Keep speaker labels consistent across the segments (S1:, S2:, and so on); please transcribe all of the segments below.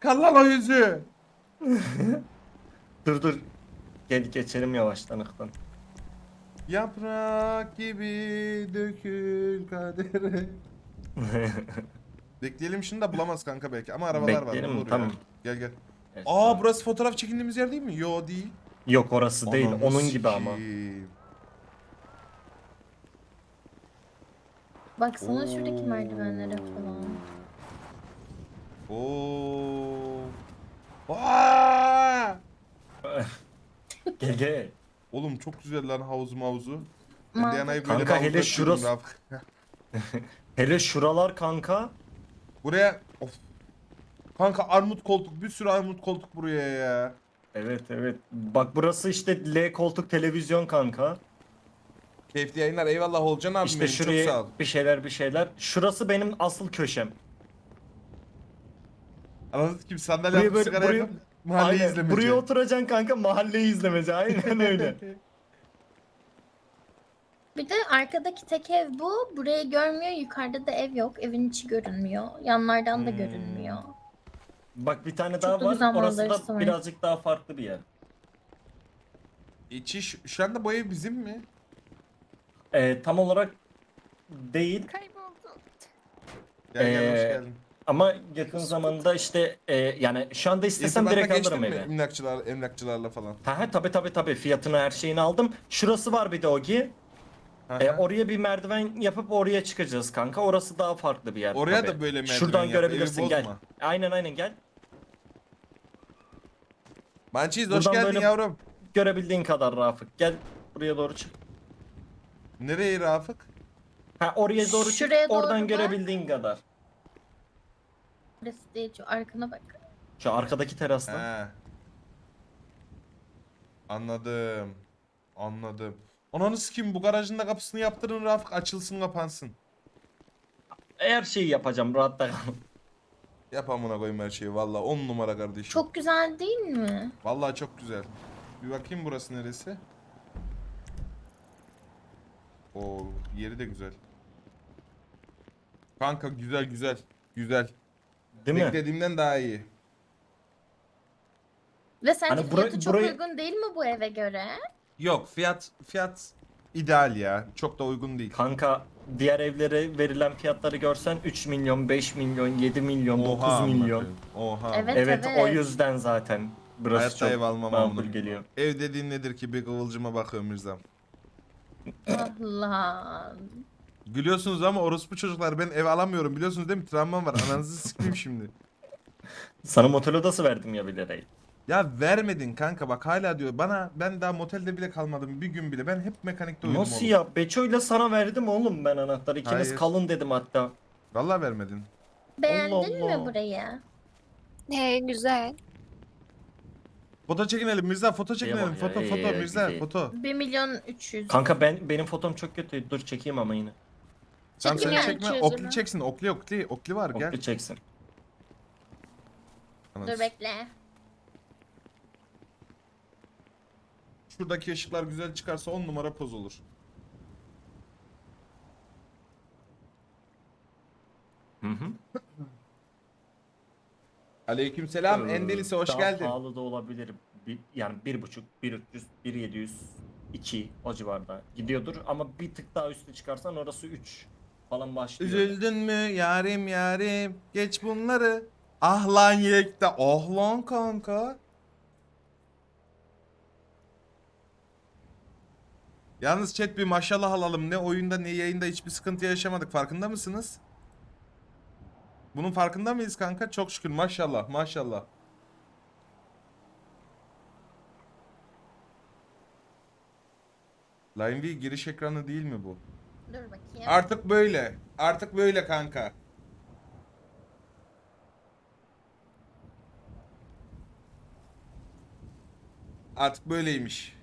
S1: Çıkar lan o yüzü.
S2: Dur dur. Gel geçelim yavaştan ıktan.
S1: Yaprak gibi dökül kadere. Bekleyelim şimdi de bulamaz kanka belki ama arabalar var
S2: Bekleyelim
S1: bulur ya.
S2: tamam.
S1: Gel gel.
S2: Evet,
S1: Aa
S2: tamam.
S1: burası fotoğraf çekindiğimiz yer değil mi? Yo değil.
S2: Yok orası değil.
S1: Ananı
S2: Onun gibi ama.
S1: sikeyim.
S3: Baksana şuradaki merdivenlere falan.
S1: Oo. Aa!
S2: Gel gel.
S1: Oğlum çok güzel lan havuz mavuzu. Ben
S3: Mantıklı.
S1: Diana'yı böyle
S2: Kanka,
S1: bir
S2: hele
S1: havuzda
S2: şurası-
S1: şurası...
S2: Hele şuralar kanka.
S1: Buraya... Of. Kanka armut koltuk. Bir sürü armut koltuk buraya ya.
S2: Evet evet. Bak burası işte L koltuk televizyon kanka.
S1: Keyifli yayınlar. Eyvallah Olcan abim
S2: İşte
S1: benim. Çok sağ
S2: şuraya
S1: ol.
S2: bir şeyler bir şeyler. Şurası benim asıl köşem.
S1: Anladın kim sandalye
S2: Buraya
S1: alıp
S2: böyle
S1: sigara
S2: buraya,
S1: yakıp mahalleyi
S2: aynen,
S1: izlemece.
S2: buraya oturacaksın kanka, mahalleyi izlemece. Aynen öyle.
S3: Bir de arkadaki tek ev bu. Burayı görmüyor. Yukarıda da ev yok. Evin içi görünmüyor. Yanlardan da görünmüyor.
S2: Bak bir tane
S3: Çok
S2: daha
S3: da
S2: var.
S3: güzel
S2: Orası
S3: manzarası
S2: da
S3: var.
S2: birazcık daha farklı bir yer.
S1: İçi şu anda bu ev bizim mi?
S2: Tam olarak değil.
S4: Kayboldu.
S1: Gel gel hoş
S2: Ee,
S1: geldin.
S2: Ama yakın zamanda işte yani şu anda istesem
S1: İrtibatla
S2: direkt
S1: geçtin
S2: alırım
S1: mi
S2: evi.
S1: emlakçılarla falan?
S2: Ha tabii fiyatını her şeyini aldım. Şurası var bir de Ogi.
S1: Hı hı.
S2: Oraya bir merdiven yapıp oraya çıkacağız kanka. Orası daha farklı bir yer.
S1: Oraya
S2: tabii.
S1: da böyle merdiven
S2: Şuradan
S1: yap,
S2: görebilirsin,
S1: evi
S2: gel.
S1: bozma.
S2: Aynen gel.
S1: Mançiz hoş
S2: Buradan
S1: geldin
S2: böyle-
S1: yavrum.
S2: Görebildiğin kadar Rafık. Gel buraya doğru çık.
S1: Nereye Rafık?
S2: Ha oraya doğru çık.
S3: Şuraya doğru
S2: Oradan
S3: bak.
S2: görebildiğin kadar.
S3: Burası değil. Şu arkana bak.
S2: Şu arkadaki terastan.
S1: He. Anladım. Anladım. Ananı sikeyim bu garajın da kapısını yaptırın Rafık açılsın kapansın.
S2: Her şeyi yapacağım, rahatta kal.
S1: Yap amına koyayım her şeyi valla 10 numara kardeşim.
S3: Çok güzel değil mi?
S1: Vallahi çok güzel. Bir bakayım burası neresi? Oo yeri de güzel. Kanka güzel güzel. Güzel.
S2: Değil mi?
S1: Beklediğimden daha iyi.
S3: Ve sence
S2: Hani
S3: fiyatı çok
S2: burayı-
S3: uygun değil mi bu eve göre?
S1: Yok fiyat ideal ya. Çok da uygun değil.
S2: Kanka diğer evlere verilen fiyatları görsen 3 milyon, 5 milyon, 7 milyon, 9
S1: amına
S2: milyon.
S1: koyayım. Oha.
S3: Evet.
S2: Evet, o yüzden zaten burası
S1: Hayatta
S2: çok
S1: ev almam
S2: makul
S1: amına.
S2: geliyor.
S1: Ev dediğin nedir ki bir kıvılcıma bakıyorum Mirzam.
S3: Allah.
S1: Gülüyorsunuz ama orospu çocuklar ben ev alamıyorum biliyorsunuz değil mi? Travmam var. Ananızı sikeyim şimdi.
S2: Sana motel odası verdim ya bilerek.
S1: Ya vermedin kanka bak hala diyor. Bana ben daha motelde bile kalmadım bir gün bile. Ben hep mekanikte uyudum
S2: Nasıl
S1: oğlum.
S2: ya? Beço'yla sana verdim oğlum ben anahtarı. İkiniz
S1: Hayır.
S2: kalın dedim hatta.
S1: Vallahi vermedin.
S3: Beğendin
S2: Allah.
S3: mi burayı?
S4: Güzel.
S1: Foto çekinelim Mirza foto çekinelim.
S2: Kıyamam ya,
S1: Foto foto Mirza
S2: güzel.
S1: foto.
S3: 1 milyon 300.
S2: Kanka benim fotom çok kötü. Dur çekeyim ama yine.
S1: Tamam
S3: Çekim
S1: sen
S3: yani
S1: çekme.
S4: çözümü.
S1: Okli çeksin. Okli var gel.
S2: Oklu çeksin.
S3: Dur bekle.
S1: Şuradaki ışıklar güzel çıkarsa 10 numara poz olur.
S2: Hı hı.
S1: Aleykümselam Endelise hoş
S2: Daha
S1: geldin.
S2: pahalı da olabilir. Yani 1.5, 1.300, 1.700, 2 o civarda gidiyordur. Ama bir tık daha üstü çıkarsan orası 3 falan başlıyor.
S1: Üzüldün mü yarim yarim geç bunları. Ah lan yekte. Ah lan kanka. Yalnız chat bir maşallah alalım. Ne oyunda ne yayında hiçbir sıkıntı yaşamadık. Farkında mısınız? Bunun farkında mıyız kanka? Çok şükür maşallah maşallah. Line V giriş ekranı değil mi bu?
S3: Dur bakayım.
S1: Artık böyle. Artık böyle kanka. Artık böyleymiş.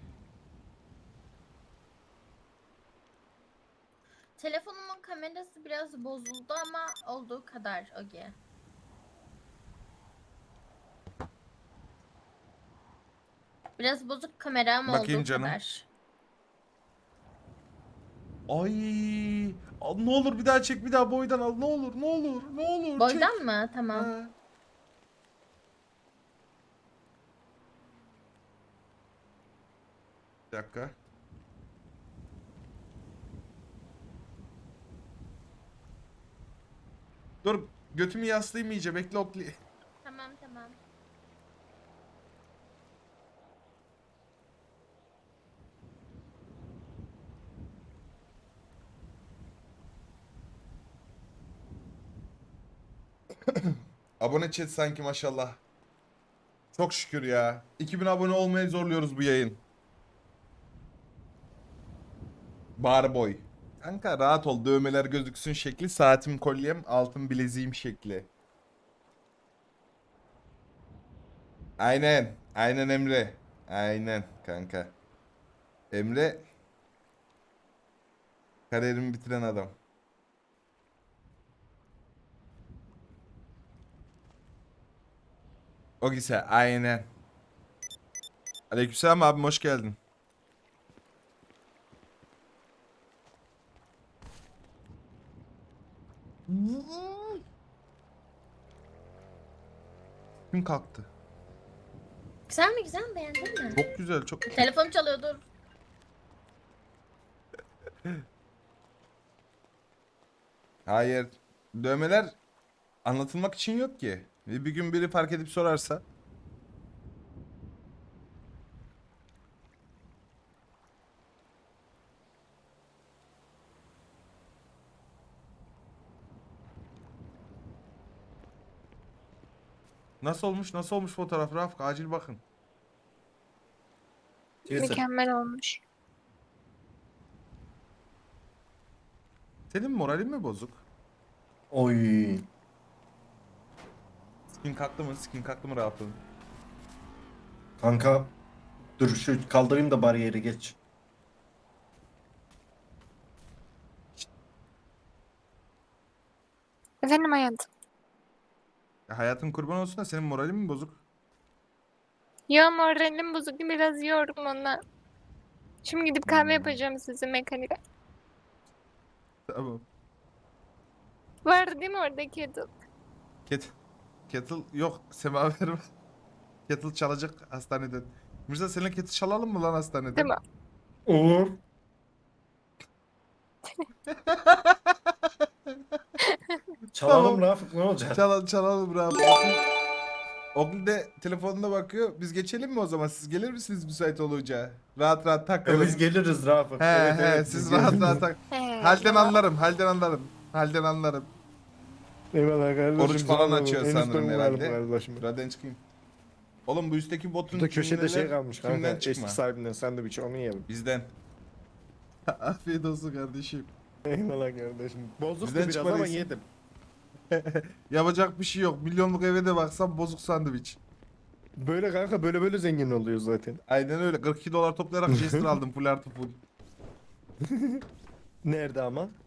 S3: Telefonumun kamerası biraz bozuldu ama olduğu kadar Ogi. Biraz bozuk kamera ama
S1: Bakayım
S3: olduğu
S1: canım.
S3: kadar.
S1: Ay, al, ne olur bir daha çek bir daha boydan al ne olur ne olur ne olur çek.
S3: Boydan mı? Tamam.
S1: Ha. Bir dakika. Dur götümü yaslayayım iyice bekle Okli.
S3: Tamam tamam.
S1: Abone chat sanki maşallah. Çok şükür ya. 2000 abone olmaya zorluyoruz bu yayın. Barboy. Kanka rahat ol. Dövmeler gözüksün şekli. Saatim kolyem. Altın bileziğim şekli. Aynen. Aynen Emre. Aynen kanka. Emre kariyerimi bitiren adam. O güzel. Aynen. Aleykümselam abim hoş geldin. Kim kalktı?
S3: Güzel mi güzel mi beğendin mi?
S1: Çok güzel, çok.
S3: Telefon çalıyor dur.
S1: Hayır. Dövmeler anlatılmak için yok ki. Bir gün biri fark edip sorarsa. Nasıl olmuş? Nasıl olmuş fotoğraf Rafik? Acil bakın.
S4: Mükemmel olmuş.
S1: Senin moralin mi bozuk?
S2: Oy.
S1: Skin kalktı mı? Skin kalktı mı rahatladın?
S2: Kanka dur şu kaldırayım da bariyeri geç.
S4: Efendim hayatım.
S1: Ya hayatın kurban olsun da senin moralin mi bozuk?
S4: Ya moralim bozuk biraz yiyorum ondan. Şimdi gidip kahve yapacağım size mekanikte.
S1: Tamam.
S4: Var değil mi orada kettle?
S1: Kettle yok. Semaver var. Kettle çalacak hastaneden. Mirza seninle kettle çalalım mı lan hastaneden?
S4: Tamam.
S2: Olur. Çalalım Rafık ne olacak?
S1: Çalalım Rafik. Ogli de telefonuna bakıyor. Biz geçelim mi o zaman? Siz gelir misiniz müsait olunca? Rahat rahat takılın.
S2: Biz geliriz Rafık.
S1: He
S2: Evet,
S1: he
S2: evet,
S1: siz
S2: biz
S1: rahat
S2: geliriz.
S1: rahat tak.
S4: He,
S1: Halden
S4: ya.
S1: anlarım, halden anlarım. Halden anlarım.
S5: Eyvallah kardeşim.
S1: Oruç falan
S5: sağ ol.
S1: açıyor
S5: En
S1: sanırım
S5: üstten
S1: herhalde.
S5: varım kardeşim.
S1: Buradan çıkayım. Oğlum bu üstteki botun
S5: Burada köşede şey
S1: cümleler
S5: kalmış
S1: kimden
S5: kanka.
S1: çıkma?
S5: Eski sahibinden sandviç onu yiyelim.
S1: Bizden. Afiyet olsun kardeşim.
S5: Eyvallah kardeşim. Bozuktu
S1: Bizden
S5: biraz ama
S1: çıkmadıysa-
S5: yedim.
S1: Yapacak bir şey yok. Milyonluk eve de baksam bozuk sandviç.
S5: Böyle kanka böyle zengin oluyor zaten.
S1: Aynen öyle. 42 dolar toplayarak Jester aldım full artı full.
S5: Nerede ama?